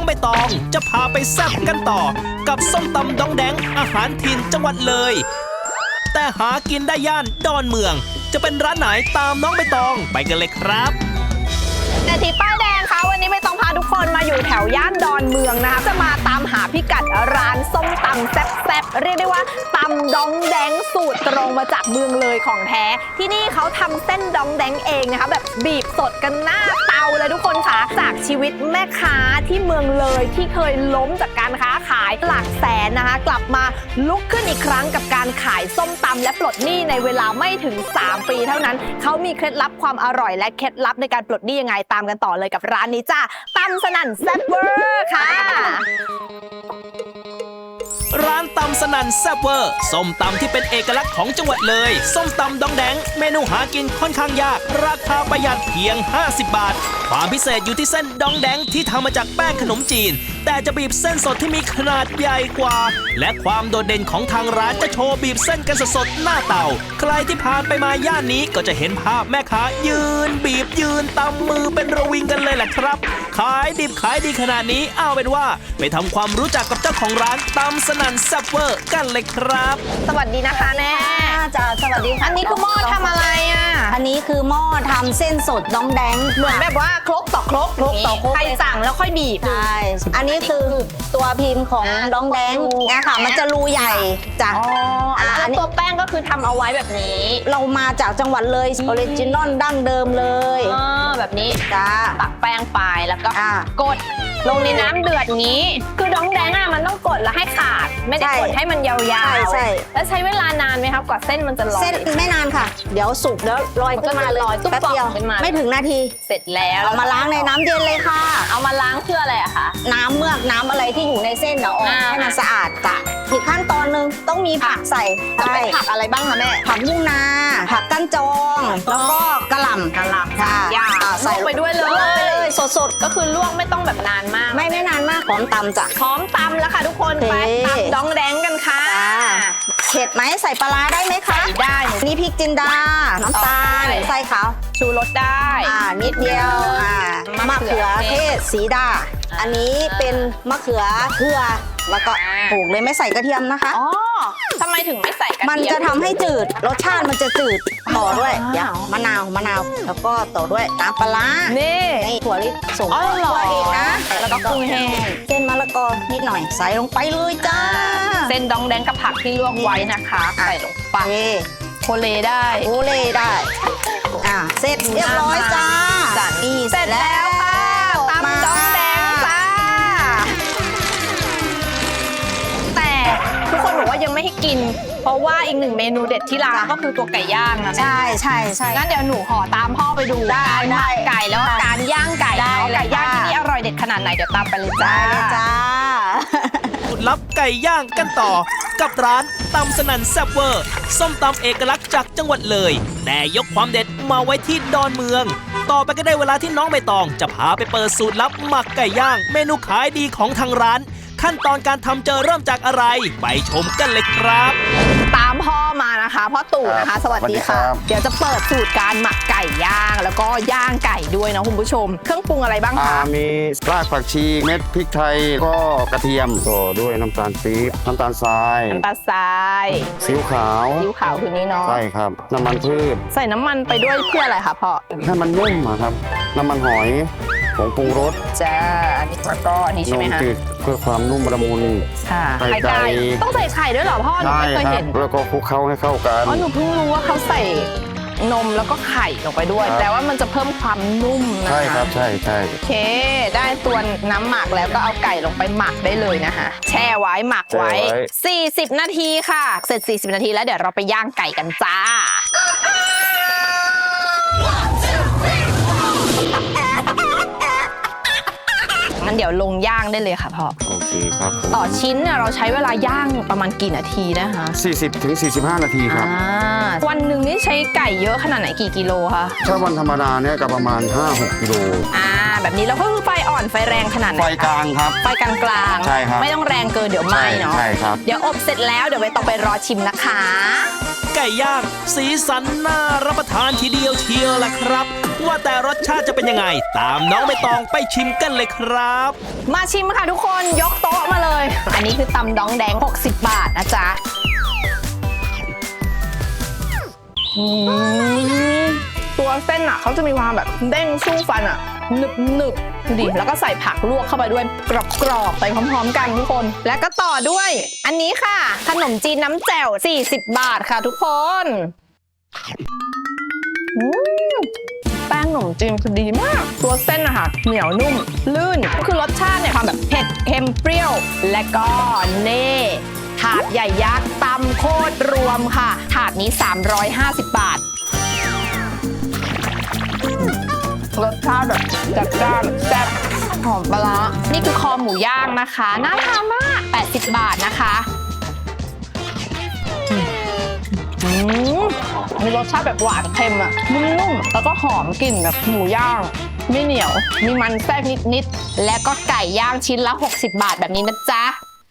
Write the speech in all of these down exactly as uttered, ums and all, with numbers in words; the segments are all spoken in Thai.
องใบตองจะพาไปแซ่บกันต่อกับส้มตำดองแดงอาหารถิ่นจังหวัดเลยแต่หากินได้ย่านดอนเมืองจะเป็นร้านไหนตามน้องใบตองไปกันเลยครับเศรษฐีป้ายแดงคะวันนี้ไม่ต้องพาทุกคนมาอยู่แถวย่านดอนเมืองนะคะจะมาตามหาพิกัดร้านส้มตำแซ่บๆเรียกได้ว่าตำดองแดงสูตรตรงมาจากเมืองเลยของแท้ที่นี่เขาทำเส้นดองแดงเองนะคะแบบบีบสดกันหน้าเตาเลยทุกคนค่ะจากชีวิตแม่ค้าที่เมืองเลยที่เคยล้มจากการค้าขายหลักแสนนะคะกลับมาลุกขึ้นอีกครั้งกับการขายส้มตำและปลดหนี้ในเวลาไม่ถึงสามปีเท่านั้นเขามีเคล็ดลับความอร่อยและเคล็ดลับในการปลดหนี้ยังไงตามกันต่อเลยกับร้านนี้จ้าตำสนั่นแซ่บเวอร์ค่ะร้านตำสนั่นแซ่บเวอร์ส้มตำที่เป็นเอกลักษณ์ของจังหวัดเลยส้มตำดองแดงเมนูหากินค่อนข้างยากราคาประหยัดเพียงห้าสิบบาทความพิเศษอยู่ที่เส้นดองแดงที่ทำมาจากแป้งขนมจีนแต่จะบีบเส้นสดที่มีขนาดใหญ่กว่าและความโดดเด่นของทางร้านจะโชว์บีบเส้นกันสดๆหน้าเตาใครที่ผ่านไปมาย่านนี้ก็จะเห็นภาพแม่ค้ายืนบีบยืนตำมือเป็นระวิงกันเลยแหละครับขายดิบขายดีขนาดนี้เอาเป็นว่าไปทำความรู้จักกับเจ้าของร้านตำสนั่นแซ่บเวอร์กันเลยครับสวัสดีนะคะแม่จ้าสวัสดีค่ะอันนี้คือหม้อทำอะไรอ่ะอันนี้คือหม้อทำเส้นสดดองแดงเหมือนแบบว่าครกต่อครกครกต่อครกใครสั่งแล้วค่อยบีบใช่อันนี้คือตัวพิมพ์ของดองแดงนะคะมันจะรูใหญ่จ้ะอ๋อแล้วตัวแป้งก็คือทำเอาไว้แบบนี้เรามาจากจังหวัดเลยออริจินอลดั้งเดิมเลยอ๋อแบบนี้จ้าตักแป้งไปแล้วก็กดลงในน้ำเดือดงี้คือดองแดงอ่ะมันต้องกดแล้วให้ขาดไม่ได้กดให้มันยาวๆใช่แล้วใช้เวลานานไหมครับกว่าเส้นมันจะลอยเส้นไม่นานค่ะเดี๋ยวสุกแล้วลอยขึ้นมาเลยแป๊บเดียวไม่ถึงนาทีเสร็จแล้วเอามาล้างในน้ำเย็นเลยค่ะเอามาล้างเพื่ออะไรอะคะน้ำเมือกน้ำอะไรที่อยู่ในเส้นเอาออกให้มันสะอาดจ้ะอีกขั้นตอนหนึ่งต้องมีผักใส่จะเป็นผักอะไรบ้างคะแม่ผักบุ้งนาผักกั้นจองแล้วก็กระหล่ำกระหล่ำค่ะใส่ไปด้วยเลยสดๆก็คือลวกไม่ต้องแบบนานมากไม่ไม่นานมากพร้อมตำจ้ะพร้อมตำแล้วค่ะทุกคนไปตำดองแดงกันค่ะเผ็ดไหมใส่ปลาได้ไหมคะได้นี่พริกจินดาน้ำตาลใส่ขาวชูรสได้อ่านิดเดียวอ่ามะเขือเทศสีดาอันนี้เป็นมะเขือเขือแล้วก็ปลูกเลยไม่ใส่กระเทียมนะคะอ๋อทำไมถึงไม่ใส่กระเทียมมันจะทำให้จืดรสชาติมันจะจืดต่อด้วยเดี๋ยวมะนาวมะนาวแล้วก็ต่อด้วยน้ำปลานี่ถั่วลิสงตัวเองนะแล้วก็กุ้งแห้งเส้นมะละกอนิดหน่อยใส่ลงไปเลยจ้าเส้นดองแดงกับผักที่ลวกไว้นะคะใส่ลงไปโคเลได้โคเลได้อ่าเสร็จเรียบร้อยจ้านี่เสร็จแล้วค่ะตำดองแดงจ้าแต่ทุกคนบอกว่ายังไม่ให้กินเพราะว่าอีกหนึ่งเมนูเด็ดที่ร้านก็คือตัวไก่ย่างนะใช่ใช่ใช่งั้นเดี๋ยวหนูขอตามพ่อไปดูการหมักไก่แล้วการย่างไก่ไก่ย่างที่นี่อร่อยเด็ดขนาดไหนเดี๋ยวตามไปเลยจ้าจ้าสูตรลับไก่ย่างกันต่อกับร้านตำสนั่นแซ่บเวอร์ส้มตำเอกลักษณ์จากจังหวัดเลยแต่ยกความเด็ดมาไว้ที่ดอนเมืองต่อไปก็ได้เวลาที่น้องใบตองจะพาไปเปิดสูตรลับหมักไก่ย่างเมนูขายดีของทางร้านขั้นตอนการทำจะเริ่มจากอะไรไปชมกันเลยครับตามพ่อมานะคะพ่อตู่นะคะสวัสดีค่ะเดี๋ยวจะเปิดสูตรการหมักไก่ย่างแล้วก็ย่างไก่ด้วยนะคุณผู้ชมเครื่องปรุงอะไรบ้างคะมีรากผักชีเม็ดพริกไทยก็กระเทียมต่อด้วยน้ำตาลปี๊บน้ำตาลทรายน้ำตาลทรายซีอิ๊วขาวซีอิ๊วขาวคือนี้เนาะใช่ครับน้ำมันพืชใส่น้ำมันไปด้วยเพื่ออะไรคะพ่อให้มันนุ่มครับน้ำมันหอยผงปรุงรสจ้าอันนี้แล้วก็อันนี้ใช่ไหมคะเพื่อความนุ่มละมุนค่ะไข่ไก่ต้องใส่ไข่ด้วยเหรอพ่อหนูไม่เคยเห็นแล้วก็คลุกเคล้าให้เข้ากันอ๋อหนูเพิ่งรู้ว่าเขาใส่นมแล้วก็ไข่ลงไปด้วยแต่ว่ามันจะเพิ่มความนุ่มนะคะใช่ครับใช่ใช่โอเคได้ตัวน้ำหมักแล้วก็เอาไก่ลงไปหมักได้เลยนะคะแช่ไว้หมักไว้สี่สิบนาทีค่ะเสร็จสี่สิบนาทีแล้วเดี๋ยวเราไปย่างไก่กันจ้างั้นเดี๋ยวลงย่างได้เลยค่ะพ่อโอเคครับต่อชิ้นเนี่ยเราใช้เวลาย่างประมาณกี่นาทีนะคะสี่สิบถึงสี่สิบห้านาทีครับวันหนึ่งนี่ใช้ไก่เยอะขนาดไหนกี่กิโลคะถ้าวันธรรมดาเนี่ยก็ประมาณ ห้าหก กิโลอ่าแบบนี้เราก็คือไฟอ่อนไฟแรงขนาดไหนไฟกลางครับไฟกลางกลางใช่ครับไม่ต้องแรงเกินเดี๋ยวไหม้เนาะใช่ครับเดี๋ยวอบเสร็จแล้วเดี๋ยวไปต้องไปรอชิมนะคะไก่ย่างสีสันน่ารับประทานทีเดียวเชียวล่ะครับว่าแต่รสชาติจะเป็นยังไง ตามน้องใบตองไปชิมกันเลยครับมาชิมค่ะทุกคนยกโต๊ะมาเลย อันนี้คือตำดองแดงหกสิบบาทนะจ๊ะอืมตัวเส้นอ่ะเขาจะมีความแบบเด้งสู้ฟันอ่ะหนึบหนึบดูดิแล้วก็ใส่ผักลวกเข้าไปด้วยกรอบๆไปพร้อมๆกันทุกคน แล้วก็ต่อด้วย อันนี้ค่ะ ขนมจีนน้ำแจ่วสี่สิบบาทค่ะทุกคนอืมแป้งขนมจีนคือดีมาก ตัวเส้นอะค่ะเหนียวนุ่มลื่นคือรสชาติเนี่ยความแบบเผ็ดเค็มเปรี้ยว และก็เน่ถาดใหญ่ยักษ์ตำโคตรรวมค่ะ ถาดนี้สามร้อยห้าสิบบาท รสชาติแบบจัดจ้านแซ่บหอมปลาร้านี่คือคอหมูย่างนะคะน่าทานมากแปดสิบบาทนะคะอืมมีรสชาติแบบหวานเค็มอะนุ่มๆแล้วก็หอมกลิ่นแบบหมูย่างไม่เหนียวมีมันแทรกนิดๆและก็ไก่ย่างชิ้นละหกสิบบาทแบบนี้นะจ๊ะ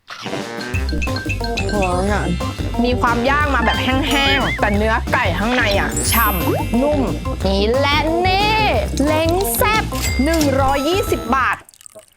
โอ้ยมีความย่างมาแบบแห้งๆแต่เนื้อไก่ข้างในอ่ะฉ่ำนุ่มนี่และนี่เล้งแซ่บหนึ่งร้อยยี่สิบบาท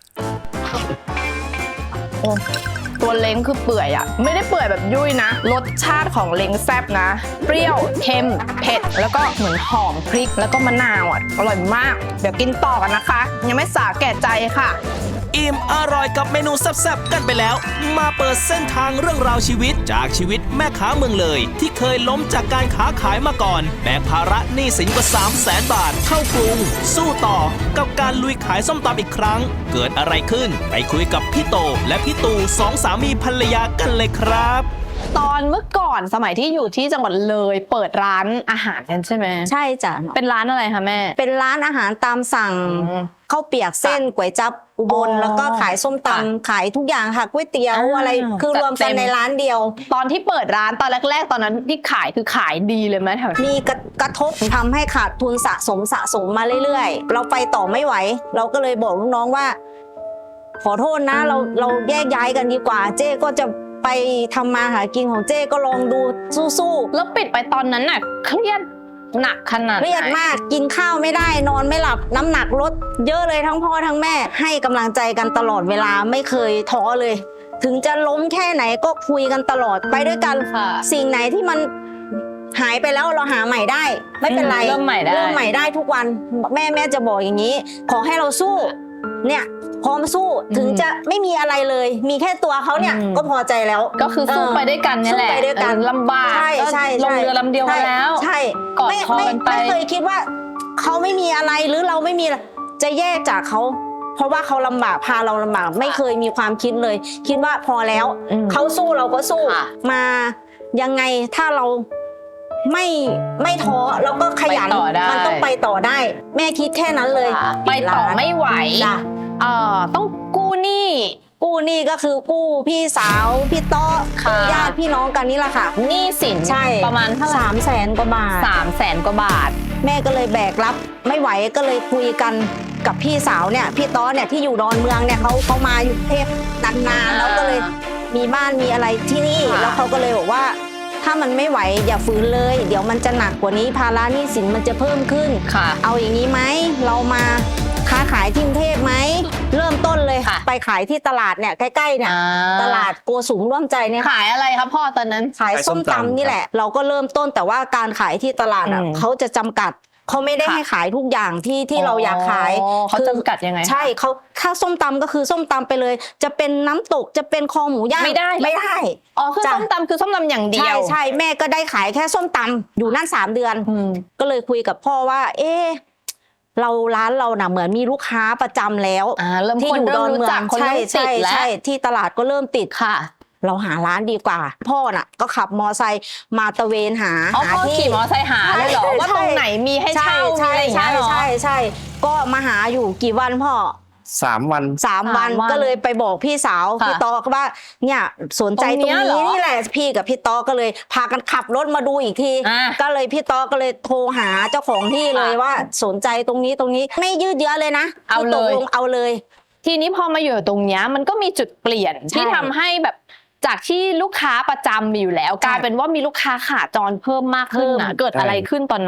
โอ้ตัวเล้งคือเปื่อยอ่ะไม่ได้เปื่อยแบบยุ่ยนะรสชาติของเล้งแซ่บนะเปรี้ยวเค็มเผ็ดแล้วก็เหมือนหอมพริกแล้วก็มะนาวอ่ะอร่อยมากเดี๋ยวกินต่อกันนะคะยังไม่สาแก่ใจค่ะอิ่มอร่อยกับเมนูแซ่บๆกันไปแล้วมาเปิดเส้นทางเรื่องราวชีวิตจากชีวิตแม่ค้าเมืองเลยที่เคยล้มจากการค้าขายมาก่อนแบกภาระหนี้สินกว่า สามแสน บาทเข้ากรุงสู้ต่อกับการลุยขายส้มตำอีกครั้งเกิดอะไรขึ้นไปคุยกับพี่โตและพี่ตูสองสามีภรรยากันเลยครับตอนเมื่อก่อนสมัยที่อยู่ที่จังหวัดเลยเปิดร้านอาหารกันใช่ไหมใช่จ้ะเป็นร้านอะไรคะแม่เป็นร้านอาหารตามสั่งข้าวเปียกเส้นก๋วยจั๊บอุบลแล้วก็ขายส้มตำขายทุกอย่างค่ะก๋วยเตี๋ยวอะไรคือรวมกันในร้านเดียวตอนที่เปิดร้านตอนแรกๆตอนนั้นที่ขายคือขายดีเลยไหมแถวมีกระทบทำให้ขาดทุนสะสมสะสมมาเรื่อยๆเราไปต่อไม่ไหวเราก็เลยบอกลูกน้องว่าขอโทษนะเราเราแยกย้ายกันดีกว่าเจ๊ก็จะไปทำมาหากินของเจ๊ก็ลองดูสู้ๆแล้วปิดไปตอนนั้นน่ะเครียดหนักขนาดเครียดมากกินข้าวไม่ได้นอนไม่หลับน้ำหนักลดเยอะเลยทั้งพ่อทั้งแม่ให้กำลังใจกันตลอดเวลาไม่เคยท้อเลยถึงจะล้มแค่ไหนก็คุยกันตลอดไปด้วยกันสิ่งไหนที่มันหายไปแล้วเราหาใหม่ได้ไม่เป็นไรเริ่มใหม่ได้เริ่มใหม่ได้ทุกวันแม่แม่จะบอกอย่างนี้ขอให้เราสู้เนี่ยพร้อมสู้ถึงจะไม่มีอะไรเลยมีแค่ตัวเขาเนี่ยก็พอใจแล้วก็คือสู้ไปด้วยกันนี่แหละสู้ไปด้วยกันลำบากใช่ใช่ลงเรือลำเดียวมาแล้วใช่กอดคอกันไปไม่เคยคิดว่าเขาไม่มีอะไรหรือเราไม่มีจะแยกจากเขาเพราะว่าเขาลำบากพาเราลำบากไม่เคยมีความคิดเลยคิดว่าพอแล้วเขาสู้เราก็สู้มายังไงถ้าเราไม่ไม่ท้อแล้วก็ขยันมันต้องไปต่อได้แม่คิดแค่นั้นเลยไปต่อไม่ไหวเอ่อต้องกู้หนี้กู้หนี้ก็คือกู้พี่สาวพี่โต๊ะญาติพี่น้องกันนี่แหละค่ะหนี้สินใช่ประมาณเท่าไหร่สามแสนกว่าบาทสามแสนกว่าบาทแม่ก็เลยแบกรับไม่ไหวก็เลยคุยกันกับพี่สาวเนี่ยพี่โต๊ะเนี่ยที่อยู่ดอนเมืองเนี่ยเขาเขามาอยู่กรุงเทพนานๆแล้วก็เลยมีบ้านมีอะไรที่นี่แล้วเขาก็เลยบอกว่าถ้ามันไม่ไหวอย่าฝืนเลยเดี๋ยวมันจะหนักกว่านี้ภาระหนี้สินมันจะเพิ่มขึ้นเอาอย่างนี้ไหมเรามาค้าขายที่กรุงเทพไหมเริ่มต้นเลยไปขายที่ตลาดเนี่ยใกล้ๆเนี่ยตลาดโกสุมร่วมใจเนี่ยขายอะไรครับพ่อตอนนั้นขายส้มตำนี่แหละเราก็เริ่มต้นแต่ว่าการขายที่ตลาดอ่ะเขาจะจำกัดเขาไม่ได้ให้ขายทุกอย่างที่ที่เราอยากขายเขาจำกัดยังไงใช่เขาถ้าส้มตำก็คือส้มตำไปเลยจะเป็นน้ำตกจะเป็นคอหมูย่างไม่ได้ไม่ได้อ๋อคือส้มตำคือส้มตำอย่างเดียวใช่ใช่แม่ก็ได้ขายแค่ส้มตำอยู่นั่นสามเดือนก็เลยคุยกับพ่อว่าเอ๊ะเราร้านเราน่ะเหมือนมีลูกค้าประจำแล้วที่อยู่ดอนเมืองใช่ใช่ใช่ที่ตลาดก็เริ่มติดค่ะเราหาร้านดีกว่าพ่อน่ะก็ขับมอไซค์มาตะเวนหาหาที่ขี่มอไซค์หาเลยเหรอว่าตรงไหนมีให้เช่ามีอะไรอย่างเงี้ยเหรอใช่ใช่ก็มาหาอยู่กี่วันพ่อสามวันสามวันก็เลยไปบอกพี่สาวพี่ต๊อกว่าเนี่ยสนใจตรงนี้นี่แหละพี่กับพี่ต๊อกก็เลยพากันขับรถมาดูอีกทีก็เลยพี่ต๊อกก็เลยโทรหาเจ้าของที่เลยว่าสนใจตรงนี้ตรงนี้ไม่ยืดเยื้อเลยนะเอาเลยเอาเลยทีนี้พอมาอยู่ตรงนี้มันก็มีจุดเปลี่ยนที่ทำให้แบบจากที่ลูกค้าประจำมีอยู่แล้วกลายเป็นว่ามีลูกค้าขาจรเพิ่มมากขึ้นนะเกิดอะไรขึ้นตอนนั้น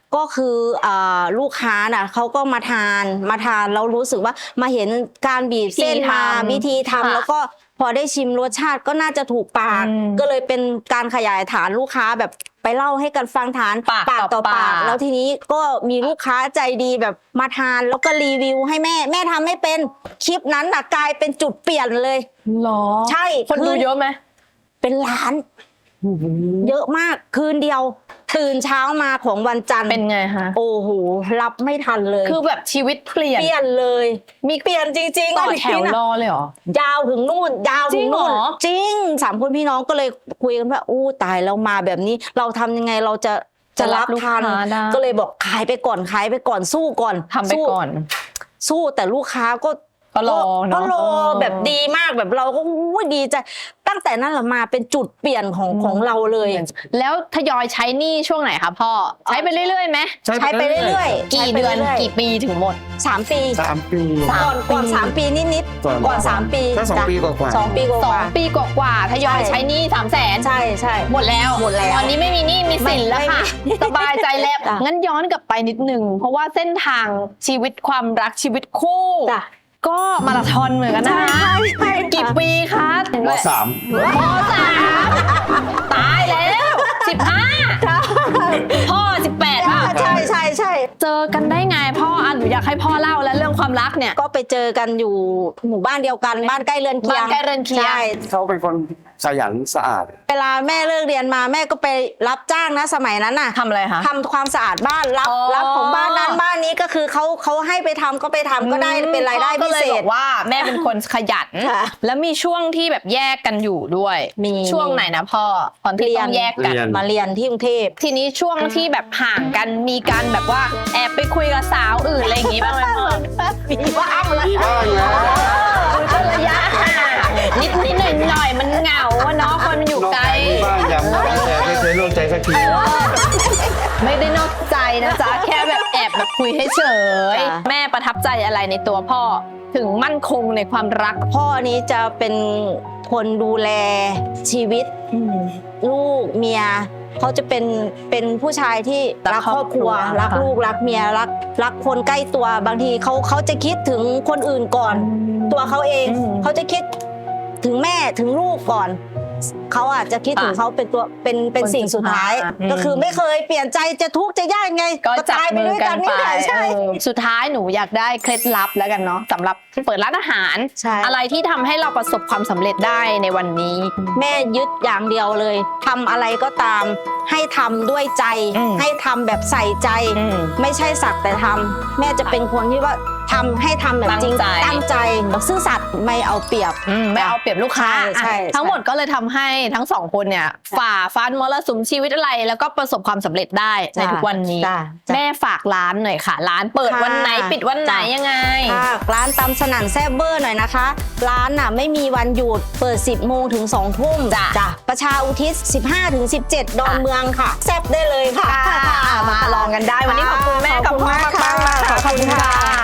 ก็คืออาลูกค้าน่ะเขาก็มาทานมาทานแล้วรู้สึกว่ามาเห็นการบีบเส้นมาวิธีทำแล้วก็พอได้ชิมรสชาติก็น่าจะถูกปาก ก็เลยเป็นการขยายฐานลูกค้าแบบไปเล่าให้กันฟังฐานปากต่อปากแล้วทีนี้ก็มีลูกค้าใจดีแบบมาทานแล้วก็รีวิวให้แม่แม่ทำไม่เป็นคลิปนั้นน่ะกลายเป็นจุดเปลี่ยนเลยหรอใช่คนดูเยอะไหมเป็นล้าน เยอะมากคืนเดียว ตื่นเช้ามาของวันจันทร์เป็นไงคะโอ้โหรับไม่ทันเลยคือแบบชีวิตเปลี่ยนเปลี่ยนเลย มีเปลี่ยนจริงๆต่ออันนี้แถวนะรอเลยเหรอยาวถึงนู่นยาวถึงนู่นจริงเหรอจริงสามคนพี่น้องก็เลยคุยกันว่าอู้ตายเรามาแบบนี้ เราทำยังไงเราจะจะรับลูกทันค้าได้ก็เลยบอกขายไปก่อนขายไปก่อนสู้ก่อนทำไปสู้ก่อนสู้แต่ลูกค้าก็ก็รอเนอะก็รอเออแบบดีมากแบบเราก็อู้ดีใจตั้งแต่นั้นแหละมาเป็นจุดเปลี่ยนของของเราเลยแล้วทยอยใช้หนี้ช่วงไหนคะพ่อ ใช้ไปเรื่อยๆไหมใช้ไปเรื่อยๆกี่ใช้ไปเดือนรื่ยๆกี่ปีถึงหมดสามปีสามปีก่อนก่อนสามปีนิดก่อนๆก่อนสามปีแค่สองจ้ะปีกว่าๆสองปีกสอว่างปีกว่าๆทยอยใช้หนี้สามแสนๆใช่ใช่หมดแล้วหมดแล้วตอนนี้ไม่มีหนี้มีสินแล้วค่ะไม่ไม่สบายใจแล้วจ้ะงั้นย้อนกลับไปนิดนึง เพราะว่าเส้นทางชีวิตความรักชีวิตคู่จ้ะก็มาราธอนเหมือนกันนะใช่ใช่กี่ปีคะมสามมสามตายแล้วสิบห้าพ่อสิบแปดป่ะใช่ใช่ใช่เจอกันได้ไงพ่ออ่ะหนูอยากให้พ่อเล่าแล้วเรื่องความรักเนี่ยก็ไปเจอกันอยู่หมู่บ้านเดียวกันบ้านใกล้เรือนเคียงบ้านใกล้เรือนเคียงใช่เขาเป็นคนขยันสะอาดเวลาแม่เลิกเรียนมาแม่ก็ไปรับจ้างนะสมัยนั้นน่ะทำอะไรคะทำความสะอาดบ้านรับอ๋อรับของบ้านนั้นบ้านนี้ก็คือเขาเขาให้ไปทำก็ไปทำก็ได้เป็นรายได้พ่อก็พิเลยเศบษอกว่าแม่เป็นคนขยันค่ะแล้วมีช่วงที่แบบแยกกันอยู่ด้วยมีช่วงไหนนะพ่อตอนที่เรียนต้องแยกกันเรียนมาเรียนที่กรุงเทพทีนี้ช่วงที่แบบห่างกันมีการแบบว่าแอบไปคุยกับสาวอื่นอะไรอย่างงี้บ้างไหมพ่อมีบ้างเลยมีบ้างนะก็ระยะห่างนิดนิดหน่อยหน่อยๆมันเหงาอะเนาะคนมันอยู่ไกลมีบ้างยังแต่ไม่เคยร่วมใจสักทีไม่ได้นอกใจนะจ๊ะ แค่แบบแอบแบบคุยให้เฉยจ้ะแม่ประทับใจอะไรในตัวพ่อถึงมั่นคงในความรักพ่อนี้จะเป็นคนดูแลชีวิตลูกเมียเขาจะเป็นเป็นผู้ชายที่รัรักกคครรออบบ คครัรัวว รักลูกรักเมียรักรักคนใกล้ตัวบางทีเขาเขาจะคิดถึงคนอื่นก่อน ตัวเขาเองอืมเขาจะคิดถึงแม่ถึงลูกก่อนเขาอาจจะคิดถึงอ่ะเขาเป็นตัวเป็นเป็นคนสิ่งสุดท้ายสุดท้ายก็คือไม่เคยเปลี่ยนใจจะทุกข์จะยากยังไงก็จับตายไปมือด้วยกักัน นไปนี่แหละใช่เออสุดท้ายหนูอยากได้เคล็ดลับแล้วกันเนาะสำหรับเปิดร้านอาหารใช่อะไรที่ทำให้เราประสบความสำเร็จได้ในวันนี้แม่ยึดอย่างเดียวเลยทำอะไรก็ตาม ให้ทำด้วยใจอืมให้ทำแบบใส่ใจอืมไม่ใช่สักแต่ทำแม่จะเป็นคนที่ว่าทำให้ทำแบบจริงตั้งใจตั้งใจซื่อสัตย์ไม่เอาเปรียบอืมไม่เอาเปรียบลูกค้าใช่ใช่อ่ะทั้งหมดก็เลยทำให้ทั้งสองคนเนี่ยฝ่าฟันมรสุมชีวิตอะไร แล้วก็ประสบความสำเร็จได้ในทุกวันนี้จ้ะจ้ะแม่ฝากร้านหน่อยค่ะ ร้านเปิดค่ะวันไหนปิดวันไหนจ้ะยังไงค่ะร้านตำสนั่นแซ่บเบอร์หน่อยนะคะ ร้านน่ะไม่มีวันหยุดเปิด สิบโมงถึงสองทุ่มจ้ะประชาอุทิศ สิบห้าถึงสิบเจ็ด ดอนเมืองค่ะ แซ่บได้เลยค่ะค่ะมาลองกันได้วันนี้ขอบคุณแม่กับพ่อมากๆขอบคุณค่ะ